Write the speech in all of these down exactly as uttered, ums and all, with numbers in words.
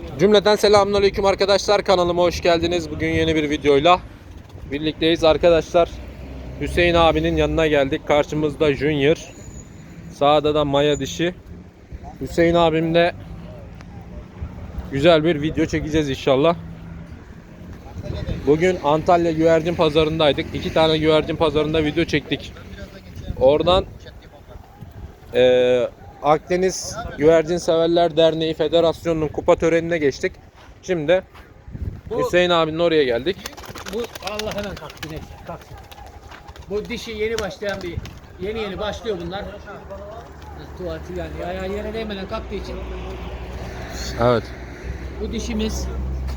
Cümleten selamünaleyküm arkadaşlar, kanalıma hoş geldiniz. Bugün yeni bir videoyla birlikteyiz arkadaşlar. Hüseyin abinin yanına geldik. Karşımızda Junior, sağda da Maya dişi. Hüseyin abimle güzel bir video çekeceğiz inşallah. Bugün Antalya güvercin pazarındaydık. İki tane güvercin pazarında video çektik. Oradan eee Akdeniz Güvercin Severler Derneği Federasyonu'nun kupa törenine geçtik. Şimdi bu, Hüseyin abinin oraya geldik. Bu Allah hemen kalktı, neyse kalksın. Bu dişi yeni başlayan bir yeni yeni başlıyor bunlar. Tuvaleti yani ayağı yere değmeden kalktığı için. Evet. Bu dişimiz.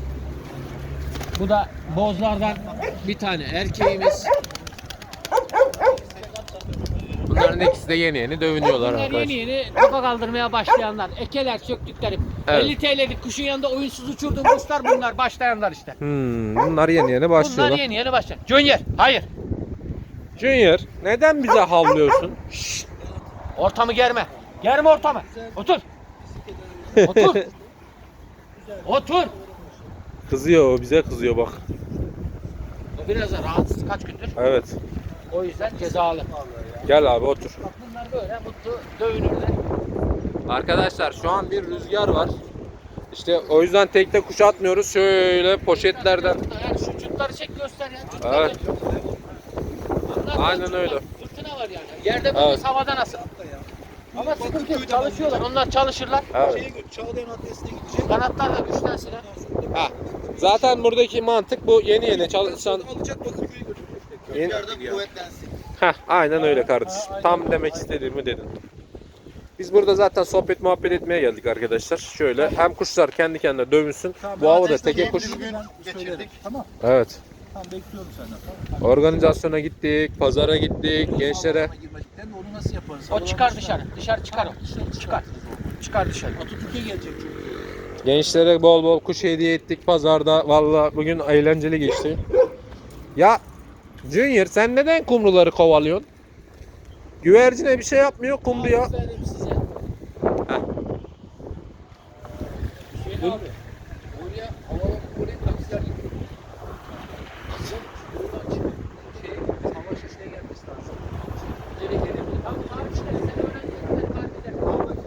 Bu da bozlardan bir tane erkeğimiz. Bunların ikisi de yeni yeni dövünüyorlar Bunlar arkadaşlar. yeni yeni kafa kaldırmaya başlayanlar. Ekeler söktükleri. Evet. elli T L'lik kuşun yanında oyunsuz uçurduğum kuşlar bunlar, başlayanlar işte. Hmm, bunlar yeni yeni başlıyorlar. Bunlar yeni yeni başlayan. Junior, hayır. Junior, neden bize havlıyorsun? Şşt. Ortamı germe. Germe ortamı. Otur. Otur. Otur. Kızıyor o, bize kızıyor bak. O biraz da rahatsız kaç gündür. Evet. O yüzden cezalı. Gel abi otur. Bak bunlar böyle mutlu dövünürler. Arkadaşlar şu an bir rüzgar var. İşte o yüzden tekte kuş atmıyoruz. Şöyle poşetlerden. Yani şu çutları çek göster ya. Çutları Evet. Bunlar Aynen çutlar, öyle. Fırtına var yani. Yerde böyle Evet. havada nasıl? Ama sıkıntı yok. Çalışıyorlar. Onlar çalışırlar. Evet. Çağlayan adresine gidecek. Kanatlar da güçlensinler. Ha. Zaten buradaki mantık bu, yeni yeni çalışan. Alacak Bakırköy'e götürecek. Yeni... Köklerde kuvvetlensin. Heh, aynen öyle kardeşim. Tam demek istediğimi dedin. Biz burada zaten sohbet muhabbet etmeye geldik arkadaşlar. Şöyle hem kuşlar kendi kendine dövünsün. Bu havada teke kuş. Bugün geçirdik. Tamam. Evet. Tamam bekliyorum senden. Tamam. Organizasyona gittik, pazara gittik, gençlere. Salona girmedikten de onu nasıl yaparız? O çıkar dışarı. Dışarı çıkar o. Çıkar. Çıkar dışarı. Atatürk'e gelecek çünkü. Gençlere bol bol kuş hediye ettik pazarda. Vallahi bugün eğlenceli geçti. Ya Junior, sen neden kumruları kovalıyorsun? Güvercine bir şey yapmıyor kumruya. Aferin size. Heh. Hüseyin abi. Oraya havalı oraya taksiler gidiyor. Bizim buradan çıkıp şey hava şişine gelmesi lazım. Nereye gelebilir? Tamam abi işte sen öğren. Sen takip eder.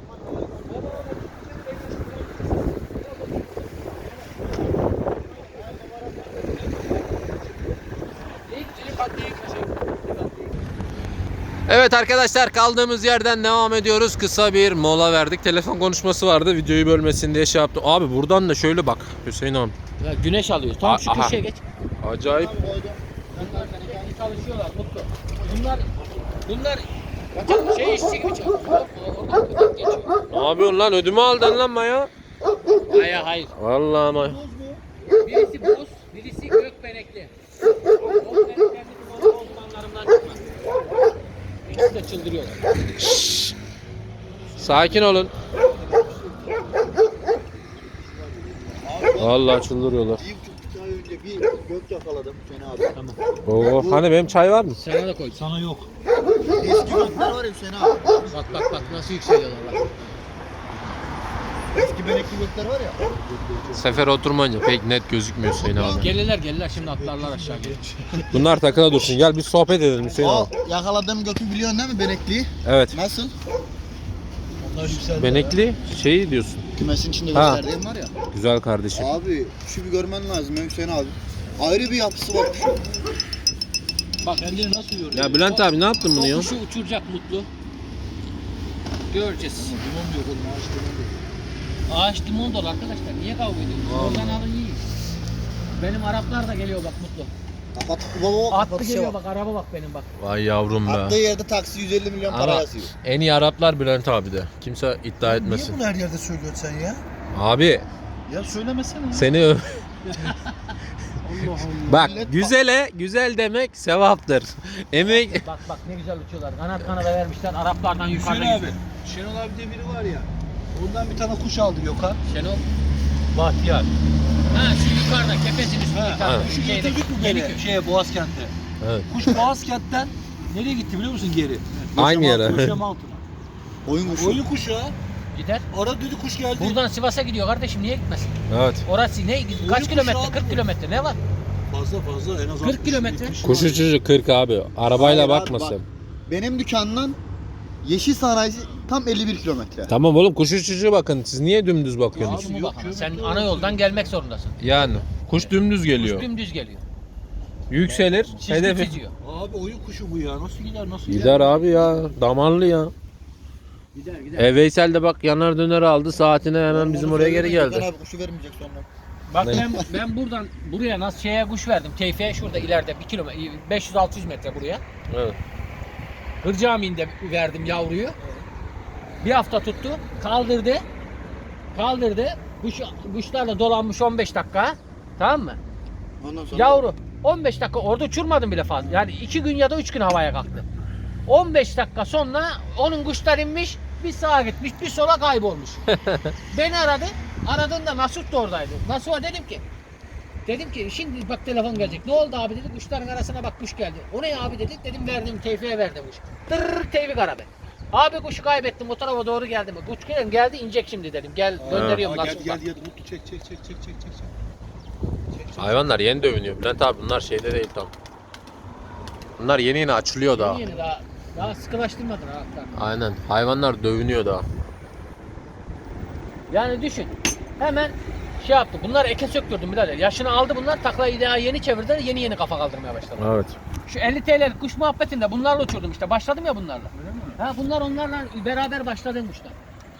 Evet arkadaşlar, kaldığımız yerden devam ediyoruz. Kısa bir mola verdik. Telefon konuşması vardı. Videoyu bölmesin diye şey yaptım. Abi buradan da şöyle bak Hüseyin abi. Ya güneş alıyor. Tam şu Aha. köşeye geç. Acayip. Bunlar kendi çalışıyorlar mutlu. Bunlar bunlar şey işçi gibi çalışıyor. Oradan buradan geçiyor. Ne yapıyorsun lan? Ödümü aldın lan Maya. Hayır hayır. Vallahi Maya. Birisi boz, birisi gökbenekli. Gökbeneklerdeki boz bozmanlarından çıkmaz. İkisi de çıldırıyorlar. Sakin olun. Vallahi çıldırıyorlar. Bir buçuk ay önce bir gök yakaladım Hüseyin abi. Tamam. Oo, hani benim çay var mı? Sana da koy. Sana yok. Eski gökler var ya Hüseyin abi. Bak bak bak nasıl yükseliyorlar bak. Eski benekli gökler var ya. Sefer oturmayınca pek net gözükmüyor Hüseyin abi. Gelirler gelirler şimdi atlarlar aşağı gelir. Bunlar takıla dursun. Gel bir sohbet edelim Hüseyin O abi. yakaladığım gökü biliyorsun değil mi benekliyi? Evet. Nasıl? Onlar yükseldi. Benekli şeyi diyorsun. Kümesin içinde Ha. gösterdiğim var ya. Güzel kardeşim. Abi şu bir görmen lazım ya Hüseyin abi. Ayrı bir yapısı var şu. Bak kendini nasıl yoruyor? Ya Bülent abi ne yaptın bunu ya? O kuşu uçuracak mutlu. Göreceğiz. Limon diyor oğlum ağaç limon diyor. Ağaç limon dolu arkadaşlar. Niye kavga ediyorsunuz? Oradan alın yiyin. Benim Araplar da geliyor bak mutlu. Kapat baba Attı kapatışa geliyor bak. bak araba bak benim bak. Vay yavrum Attığı be. yerde taksi yüz elli milyon para Ama yazıyor. en iyi Araplar Bülent abi de. Kimse iddia etmesin. Niye bunu her yerde söylüyorsun sen ya? Abi Ya söylemesene. seni öv. Allah Allah. Bak Millet bak- güzele güzel demek sevaptır. Emek. Bak bak ne güzel uçuyorlar. Kanat kanada vermişler. Araplardan yukarıda Hüseyin abi. gidiyor. Şenol abi diye biri var ya. Ondan bir tane kuş aldı Gökhan. Şenol. Bahtiyar. Ha şu yukarıda kepesin üstünde. ha. Ha. Şu getirdik mi beni şeye Boğazkent'e? Evet. Kuş Boğazkent'ten nereye gitti biliyor musun geri? Aynı yere. Köşe Mountain'a. Oyun kuşu. Oyun kuşu ha. Gider. Ara dedi kuş geldi. Buradan Sivas'a gidiyor kardeşim, niye gitmesin? Evet. Orası ne? Kaç kuş kilometre? abi kırk bu. kilometre ne var? Fazla fazla en az kırk kilometre. Kuş uçucu kırk abi. Arabayla Hayır abi, bakma bak. sen. Benim dükkandan Yeşil Sanayi tam elli bir kilometre. Tamam oğlum, kuş uçucu bakın. Siz niye dümdüz bakıyorsunuz? Kuş mu yok, bak ama? yok, Sen yok, ana yok. yoldan gelmek zorundasın. Yani kuş dümdüz geliyor. Kuş dümdüz geliyor. Yükselir. Çizgi Hedefi. çiziyor. Abi oyun kuşu bu ya. Nasıl gider nasıl Gider abi ya. Damarlı ya. Gider gider. E Veysel de bak yanar döner aldı. Saatine hemen bizim oraya geri geldi. Abi kuşu vermeyecek sonra. Bak Ne? ben ben buradan buraya nasıl şeye kuş verdim. Teyfiye şurada ileride bir kilometre beş yüz altı yüz metre buraya. Evet. Hır Camii'nde verdim yavruyu. Bir hafta tuttu. Kaldırdı. Kaldırdı. Kuş, kuşlarla dolanmış on beş dakika. Tamam mı? Ondan sonra Yavru on beş dakika orada uçurmadım bile fazla. Yani iki gün ya da üç gün havaya kalktı. on beş dakika sonra onun kuşlar inmiş. Bir sağa gitmiş, bir sola kaybolmuş. Beni aradı. Aradığında Nasut da oradaydı. Nasut'a dedim ki Dedim ki şimdi bak telefon gelecek. Ne oldu abi dedi. Kuşların arasına bak kuş geldi. O ne abi dedik. Dedim verdim Tevfik'e verdim kuş. Tırrrr Tevfik aradı. Abi kuşu kaybettim o tarafa doğru geldi mi? Kuş geldi, geldi inecek şimdi dedim. Gel gönderiyorum Aa, Nasut geldi bak. geldi geldi. Mutlu çek çek çek çek çek çek. çek. Hayvanlar yeni dövünüyor. Bülent abi bunlar şeyde değil tam. Bunlar yeni yeni açılıyor daha. Yeni yeni daha, daha sıkılaştırmadın ha. Aynen. Hayvanlar dövünüyor daha. Yani düşün. Hemen şey yaptı. Bunlar eke söktürdüm birader. Yaşını aldı bunlar. Taklayı daha yeni çevirdiler. Yeni yeni kafa kaldırmaya başladı. Evet. Şu elli T L'lik kuş muhabbetinde bunlarla uçurdum işte. Başladım ya bunlarla. Ha bunlar onlarla beraber başladığım kuşlar.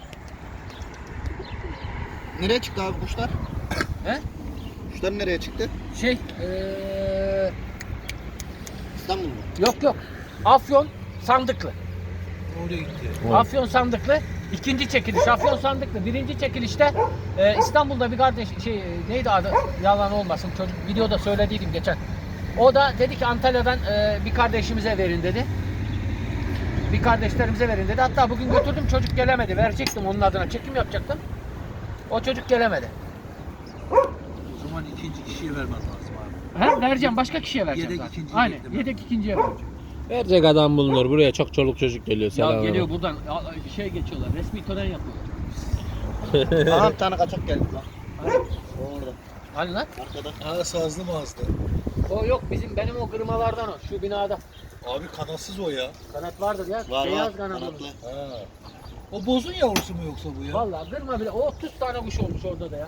nereye çıktı abi kuşlar? He? Kuşlar nereye çıktı? Şey eee İstanbul mu? yok yok. Afyon Sandıklı. Oraya gitti. Evet. Afyon Sandıklı. İkinci çekiliş Afyon Sandıklı. Birinci çekilişte e, İstanbul'da bir kardeş şey e, neydi adı yalan olmasın çocuk videoda söylediydim geçen. O da dedi ki Antalya'dan e, bir kardeşimize verin dedi. Bir kardeşlerimize verin dedi. Hatta bugün götürdüm çocuk gelemedi. Verecektim onun adına çekim yapacaktım. O çocuk gelemedi. O zaman ikinci kişiye vermen lazım abi. Ha, vereceğim başka kişiye vereceğim Yedek zaten. ikinciye Aynen değil mi? yedek ikinciye vereceğim. Verecek adam bulunur. Buraya çok çoluk çocuk geliyor. Ya Selam. geliyor buradan a- bir şey geçiyorlar. Resmi tören yapıyorlar. Aha bir tane kaçak geldi lan. Orada. Hani lan? Arkada. Ha sazlı mağazda. O yok bizim benim o kırmalardan o şu binada. Abi kanatsız o ya. Kanat vardır ya. Var beyaz var. kanatlı. Kanatlı. Ha. O bozun yavrusu mu yoksa bu ya? Vallahi kırma bile. O otuz tane kuş olmuş orada da ya.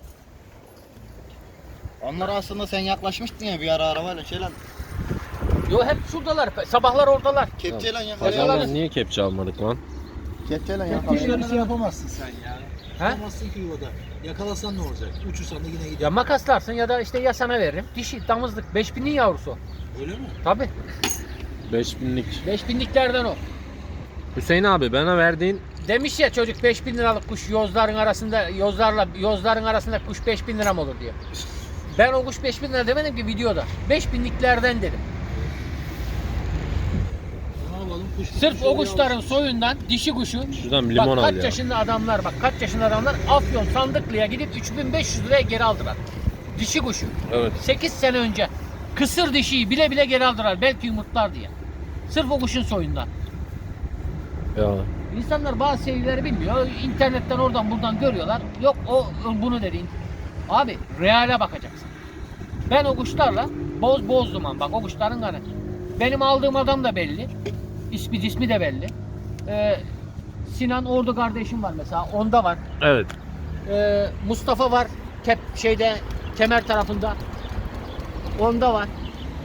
Onlar aslında sen yaklaşmıştın ya bir ara arabayla şey lan. Yo hep şuradalar. Sabahlar oradalar. Kepçeyle Pazarda yakalayamazsın. niye kepçe almadık lan? Kepçeyle Kuşlarını yakalayamazsın. yapamazsın sen ya. He? Yapamazsın ki yuvada. Yakalasan ne olacak? Uçursan da yine gider. Ya makaslarsın ya da işte ya sana veririm. Dişi damızlık. beş binlik yavrusu o. Öyle mi? Tabi. beş binlik. beş binliklerden o. Hüseyin abi bana verdiğin Demiş ya çocuk beş bin liralık kuş yozların arasında yozlarla yozların arasında kuş beş bin lira mı olur diye. Ben o kuş beş bin lira demedim ki videoda. beş binliklerden dedim. Ne yapalım? Kuş Sırf o kuşların soyundan dişi kuşu. şuradan bir limon Bak al kaç ya. yaşında adamlar bak kaç yaşında adamlar Afyon Sandıklı'ya gidip üç bin beş yüz liraya geri aldılar. Dişi kuşu. Evet. sekiz sene önce kısır dişiyi bile bile geri aldılar belki yumurtlar diye. Sırf o kuşun soyundan. Ya. İnsanlar bazı şeyleri bilmiyor. İnternetten oradan buradan görüyorlar. Yok o bunu dediğin. Abi reale bakacaksın. Ben o kuşlarla boz boz duman bak o kuşların kanı. Benim aldığım adam da belli. İsmi cismi de belli. Ee, Sinan Ordu kardeşim var mesela. Onda var. Evet. Ee, Mustafa var. Kep şeyde kemer tarafında. Onda var.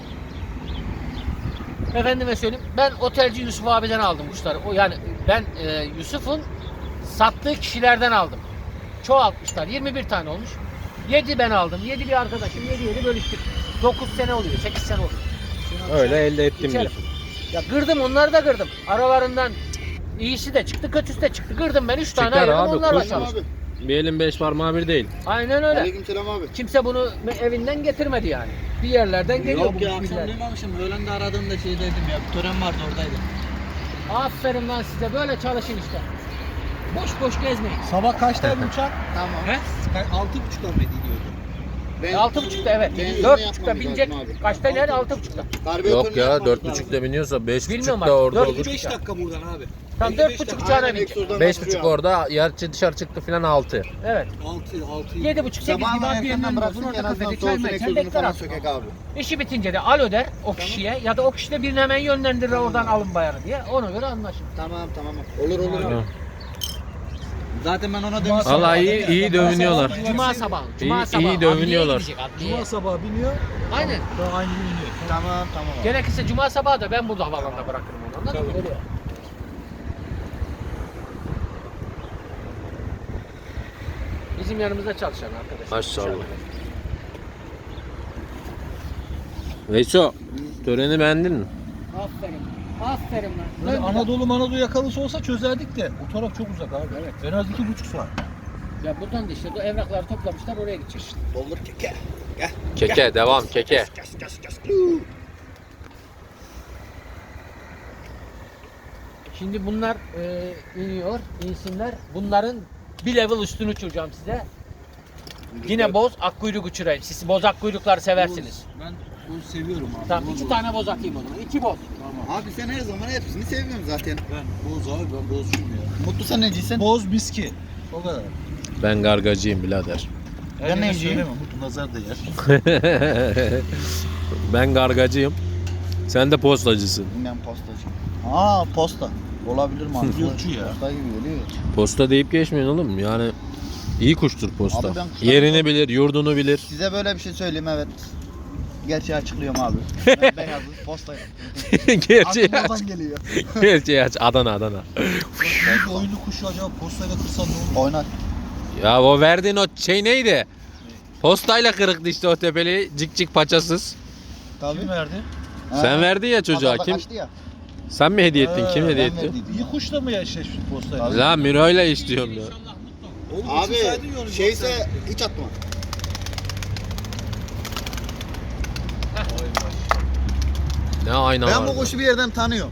Efendime söyleyeyim. Ben otelci Yusuf abiden aldım kuşları. O yani ben e, Yusuf'un sattığı kişilerden aldım. Çoğaltmışlar. yirmi bir tane olmuş. yedi ben aldım. yedi bir arkadaşım. yedi yedi bölüştük. dokuz sene oluyor. sekiz sene oluyor. Öyle elde ettim İçerim. diyorsun. Ya kırdım onları da kırdım. Aralarından iyisi de çıktı, kötüsü de çıktı. Kırdım ben üç tane Çıkar ayırdım abi, onlarla kuş- çalıştım. Abi. Bir elin beş parmağı bir değil. Aynen öyle. Aleykümselam abi. Kimse bunu evinden getirmedi yani. Bir yerlerden geliyor Yok bu ya millet. akşam duymamışım. Öğlen de aradığımda şey dedim ya. Bir tören vardı oradaydım. Aferin lan size böyle çalışın işte. Boş boş gezmeyin. Sabah kaçtaydı uçak? Tamam. He? Altı buçukta mı gidiyordu? Ben- E, altı buçukta evet. Benzinle Dört yapmamız buçukta binecek. lazım abi. Kaçta iner? Altı buçukta. Yok ya dört buçukta biniyorsa beş Bilmiyorum buçukta abi, orada dört olur. buçuk. beş dakika buradan abi. Tam dört buçuk uçağına binecek. Beş buçuk orada, yer dışarı çıktı filan altı. Evet. altı altı. Yedi buçuk sekiz gibi Sabahından abi bir erkenden yandan bıraksın olsun. ki en Orada azından kafede çay soğusun mı içer egzozunu bekler falan aslında. sökek abi. İşi bitince de alo der o kişiye ya da o kişi de birini hemen yönlendirir oradan alın bayarı diye. Ona göre anlaşın. Tamam tamam. Olur olur abi. Zaten ben ona demiştim. Vallahi iyi, iyi dövünüyorlar. Cuma sabahı. Cuma İyi- sabahı. iyi Adliyeye dövünüyorlar. gidecek, adliyeye. Cuma sabahı biniyor. Aynen. Daha aynı gün iniyor. Tamam tamam. abi. Gerekirse cuma sabahı da ben burada havalanına bırakırım onu. Anladın mı? Öyle. Bizim yanımızda çalışan arkadaşlar. Maşallah. Veyso, töreni beğendin mi? Aferin. Aferin lan. Böyle Dön bir Anadolu Manadolu yakalısı olsa çözerdik de. O taraf çok uzak abi. Evet. En az iki buçuk saat. daha. Ya buradan da işte bu evrakları toplamışlar oraya gidecek işte. Doldur keke. Keke, devam keke. Şimdi bunlar e, iniyor, insinler. Bunların bir level üstünü uçuracağım size. Yine boz, akkuyruk uçurayım. Siz boz akkuyrukları seversiniz. Ben bunu seviyorum abi. Tamam, Boz iki boz. tane boz atayım o zaman. İki boz. Tamam. Abi sen her zaman hepsini seviyorsun zaten. Ben boz abi ben bozcuyum ya. Mutlu sen neciysen? Boz biski. O kadar. Ben gargacıyım birader. Her Ben yere neyciyim? söyleme, Mutlu nazar değer. Ben gargacıyım. Sen de postacısın. Ben postacıyım. Aa posta. Olabilir mantıklı. Yurtçu ya. Posta gibi geliyor. Posta deyip geçmeyin oğlum. Yani iyi kuştur posta. Abi ben kuşlar- Yerini bilir, yurdunu bilir. Size böyle bir şey söyleyeyim evet. Gerçeği açıklıyorum abi. Ben beyazım postayım. Gerçeği Aklım aç. oradan geliyor. Gerçeği aç. Adana Adana. Belki oyunlu kuşu acaba postayla kırsan ne olur? Oynar. Ya o verdiğin o şey neydi? Postayla kırıktı işte o tepeli. Cik cik paçasız. Tabii. Kim verdi? Sen verdin ya çocuğa. Pazarda Kim? kaçtı ya. Sen mi hediye ettin? Ha, Kim hediye Ben etti? verdiydim İyi ya. kuşla mı eşleşmiş postayla? Tabii. Lan Miro'yla istiyorum ya. Oğlum, Abi uçursaydın ya onu, şeyse yoksa- hiç atma. Ne ayna Ben var. bu kuşu bir yerden tanıyorum.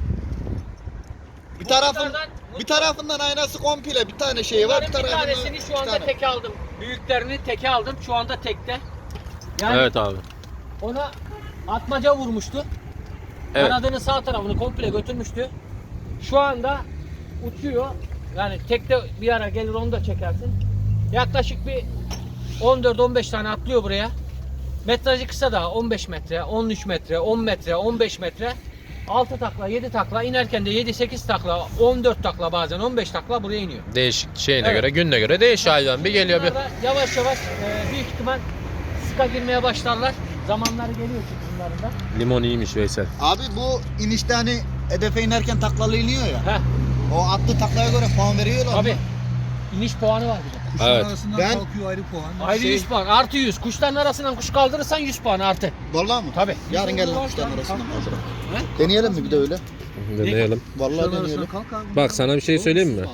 Bir tarafın Mutlulardan- bir tarafından aynası komple bir tane şey var. Bir Bunların bir tarafından tanesini şu bir anda tane. teke aldım. Büyüklerini teke aldım. Şu anda tekte. Yani Evet abi. ona atmaca vurmuştu. Evet. Kanadının sağ tarafını komple götürmüştü. Şu anda uçuyor. Yani tekte bir ara gelir onu da çekersin. Yaklaşık bir on dört on beş tane atlıyor buraya. Metrajı kısa daha on beş metre, on üç metre, on metre, on beş metre. altı takla, yedi takla, inerken de yedi sekiz takla, on dört takla bazen on beş takla buraya iniyor. Değişik şeyine Evet. göre, gününe göre değişiyor hayvan. Bir geliyor bir. Bunlar da yavaş yavaş e, büyük ihtimal sıka girmeye başlarlar. Zamanları geliyor çünkü bunların da. Limon iyiymiş Veysel. Abi bu inişte hani hedefe inerken taklalı iniyor ya. Heh, O attığı taklaya göre puan veriyorlar mı? tabii. İniş puanı var bir de. Kuşların Evet. arasından Ben- kalkıyor ayrı puan. Ayrı Şey- yüz puan, artı yüz. Kuşların arasından kuş kaldırırsan yüz puan artı. Vallahi mı? Tabii. Yarın gelin kuşların arasından kaldıralım. Deneyelim mi bir de öyle? Deneyelim. Vallahi Kuşların deneyelim. arasından kalk abi. Bak sana bir şey söyleyeyim mi?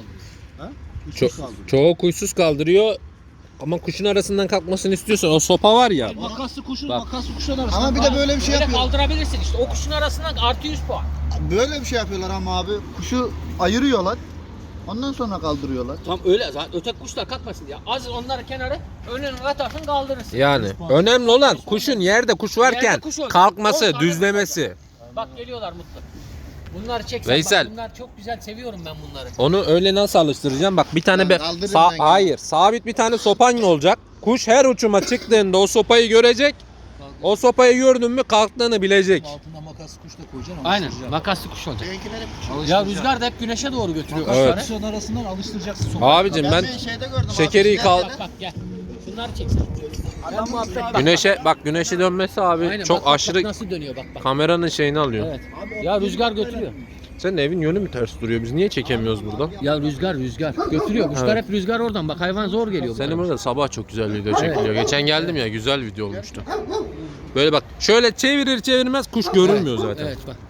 Kuşsuz Ço- kaldı. çoğu kuşsuz kaldırıyor. Ama kuşun arasından kalkmasını istiyorsan o sopa var ya. Makaslı kuşun Bak. makaslı kuşların arasından Ama bir de böyle bir şey Öyle yapıyor. kaldırabilirsin işte. O kuşun arasından artı yüz puan. Böyle bir şey yapıyorlar ama abi. Kuşu ayırıyorlar. Ondan sonra kaldırıyorlar. Tam öyle zaten öteki kuşlar kalkmasın diye. Az onları kenara önüne atarsın kaldırırsın. Yani önemli olan kuşun yerde kuş varken Yerde kuş olacak. kalkması, On tane düzlemesi. Bak geliyorlar mutlu. Bunları çeksen Veysel. bak bunlar çok güzel seviyorum ben bunları. Onu öyle nasıl alıştıracağım? Bak bir tane Yani be kaldırırım Sa- ben hayır, sabit bir tane sopan olacak. Kuş her uçuma çıktığında o sopayı görecek. O sopayı gördün mü kalktığını bilecek. altında makaslı kuş da koyacaksın ama Aynen alıştıracaksın. makaslı kuş olacak. Benimkiler hep Ya Alıştıracaksın. rüzgar da hep güneşe doğru götürüyor Makaslı Evet. kuşları. kuşların arasından alıştıracaksın sokağa. Abicim ben bir şeyde gördüm şekeri abi. kal- Bak bak gel. Şunları çeksen. Ben muhabbet bak. güneşe bak güneşe dönmesi abi Aynen, çok bak, bak, aşırı bak nasıl dönüyor bak bak. kameranın şeyini alıyor. Evet. Ya rüzgar götürüyor. Senin evin yönü mü ters duruyor? Biz niye çekemiyoruz buradan? Ya rüzgar rüzgar götürüyor. Kuşlar Evet. hep rüzgar oradan. Bak hayvan zor geliyor. Senin buraya. burada sabah çok güzel video çekiliyor. Geçen geldim ya güzel video olmuştu. Böyle bak şöyle çevirir çevirmez kuş görünmüyor zaten. Evet bak.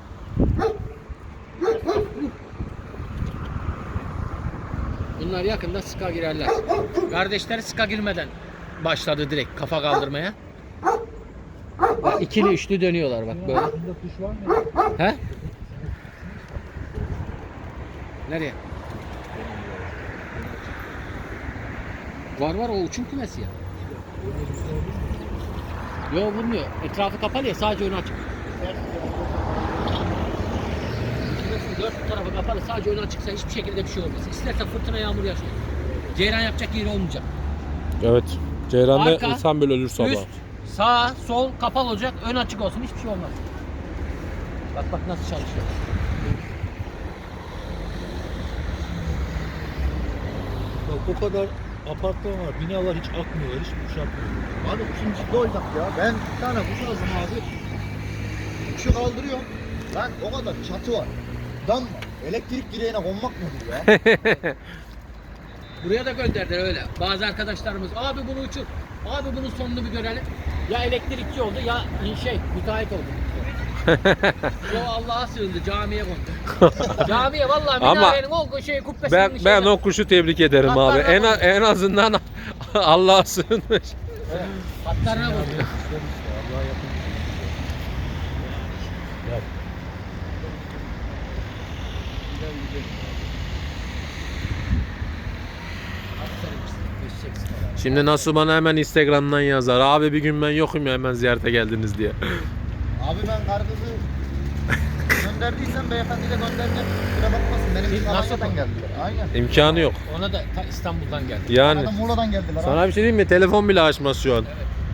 Bunlar yakında sıka girerler. Kardeşleri sıka girmeden başladı direkt kafa kaldırmaya. Bak ikili üçlü dönüyorlar bak böyle. Altında kuş var mı? He? Nereye? Var var o uçum kümesi ya. Yok vurmuyor. Etrafı kapalı ya, sadece önü açık. Dört tarafı kapalı, sadece önü açıksa hiçbir şekilde bir şey olmaz. İsterse fırtına, yağmur yaşıyor. Ceyran yapacak yeri olmayacak. Evet. Ceyran'da Arka, insan böyle ölür sabah. Üst, sağ, sol kapalı olacak, ön açık olsun, hiçbir şey olmaz. Bak bak nasıl çalışıyor. Bak o kadar apartman var, binalar hiç akmıyorlar, hiç kuşatmıyor. Abi kuşun ciddi olacak ya. Ben bir tane kuş aldım abi. Kuşu kaldırıyorum. Lan o kadar çatı var. Dam var. Elektrik direğine konmak nedir ya? Buraya da gönderdiler öyle. Bazı arkadaşlarımız, abi bunu uçur, abi bunun sonunu bir görelim. Ya elektrikçi oldu ya şey, müteahhit oldu. Yo Allah'a sığındı, camiye kondu. Camiye vallahi Ama minarenin o şey kubbesinin Ben ben şeyine- o kuşu tebrik ederim Hatlarına abi. En, koy. en azından Allah'a sığınmış. Hatlarına kondu. Allah'a yakın. Yap. Şimdi nasıl bana hemen Instagram'dan yazar. Abi bir gün ben yokum ya, hemen ziyarete geldiniz diye. Abi ben kargızı gönderdiysem beyefendi de gönderdim. Kusura bakmasın. Benim için Nasıl Alanya'dan bu? geldiler. Aynen. İmkanı yok. Ona da ta İstanbul'dan geldi. Yani Bana da Muğla'dan geldiler. sana bir şey diyeyim mi? Telefon bile açmaz şu an. Aferin.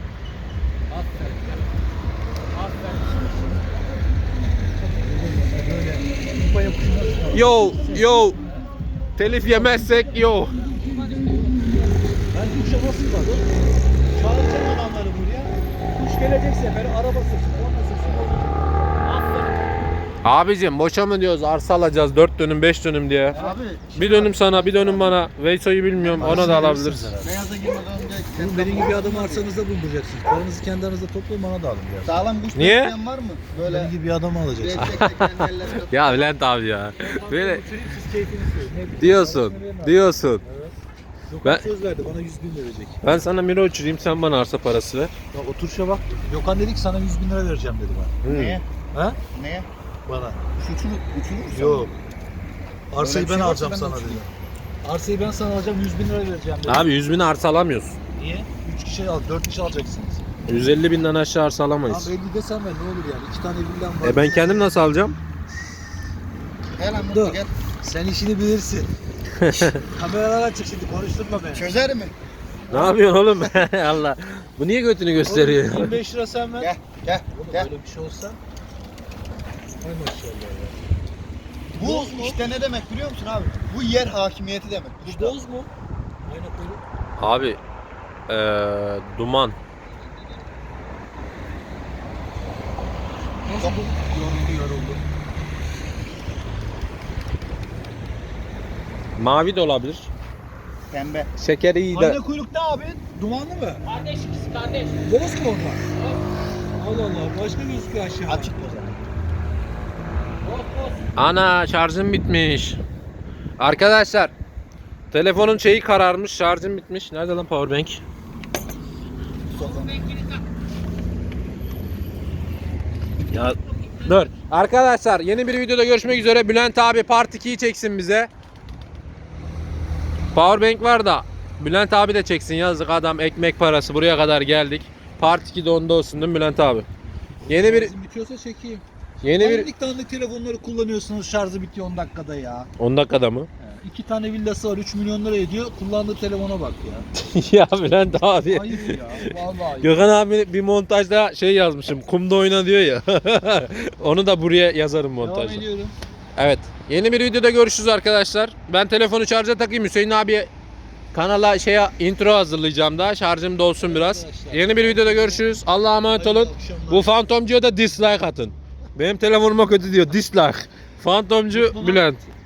Aferin. Yo yo. Telif yemezsek yo. Ben kuşa nasıl kaldım? Çağıracağım adamları buraya. Kuş gelecek seferi araba sırtı, korna sırtı. Aferin. Abicim boşa mı diyoruz, arsa alacağız dört dönüm beş dönüm diye. Abi Bir dönüm sana, bir dönüm bana. Veyso'yu bilmiyorum, ona da alabiliriz. beyaza girmeden önce Bunu benim gibi adamı arsanızda bulunduracaksınız. Paranızı kendi aranızda toplayın, bana da alın biraz. sağlam kuş Niye? besleyen var mı? Böyle Benim gibi bir adamı alacaksın. tek tek kendi ellerinde. Ya Bülent abi ya. Böyle Siz keyfini söyleyin. Ne bileyim, diyorsun, parasını verin abi. diyorsun. Gökhan Ben- söz verdi, bana yüz bin verecek. Ben sana miro uçurayım, sen bana arsa parası ver. Bak oturuşa bak. Gökhan dedi ki sana yüz bin lira vereceğim dedi bana. Hmm. Neye? Ha? Neye? Bana. Uçurur, uçurur. Yok. Arsayı Öyle bir ben şey varsa alacağım ben de sana dedi. uçurayım. Arsayı ben sana alacağım, yüz bin lira vereceğim dedi. Abi yüz bin arsa alamıyorsun. Niye? üç kişi al, dört kişi alacaksınız. yüz elli binden aşağı arsa Tamam alamayız. elli desem ben ne olur yani? İki tane villam var. E ben kendim nasıl alacağım? Gel lan Dur. mutlu gel. Sen işini bilirsin. Kameralar açık şimdi, konuşturma beni. Çözer mi? Ne yapıyorsun oğlum? Allah. Bu niye götünü gösteriyor? yirmi beş lira sen ver. Gel, gel, Oğlum gel. böyle bir şey olsa. Hay maşallah ya. Bu Boz mu? işte ne demek biliyor musun abi? Bu yer hakimiyeti demek. Bu boz mu? Aynen öyle. Abi eee duman. Nasıl bu? Yoruldu yoruldu. Mavi de olabilir. Pembe. Şekeri iyi de. Ayna kuyruk ne abi? Dumanlı mı? Kardeş ikisi kardeş. Boz mu onlar? Allah Allah, başka gözüküyor aşağı. Açık o zaman. Boz boz. Ana şarjım bitmiş. Arkadaşlar telefonun şeyi kararmış, şarjım bitmiş. Nerede lan powerbank? Ya dur. Arkadaşlar yeni bir videoda görüşmek üzere. Bülent abi Part ikiyi çeksin bize. Powerbank var da Bülent abi de çeksin, yazık adam, ekmek parası buraya kadar geldik. Part iki de onda olsun değil mi Bülent abi? Yeni bir Şarjım bitiyorsa çekeyim. yeni bir Dandik dandik telefonları kullanıyorsunuz, şarjı bitiyor on dakikada ya. on dakikada mı? He, İki tane villası var, üç milyon lira ediyor. Kullandığı telefona bak ya. Ya Bülent abi. Ayıp ya. Vallahi ayıp. Gökhan abi bir montajda şey yazmışım. Kumda oyna diyor ya. Onu da buraya yazarım Devam montajda. ediyorum. Evet. Yeni bir videoda görüşürüz arkadaşlar. Ben telefonu şarja takayım. Hüseyin abi kanala şeye intro hazırlayacağım da. Şarjım dolsun biraz. Arkadaşlar. Yeni bir videoda görüşürüz. Allah'a emanet Hayırlı olun. akşamlar. Bu Fantomcu'ya da dislike atın. Benim telefonuma kötü diyor. Dislike. Fantomcu Bülent.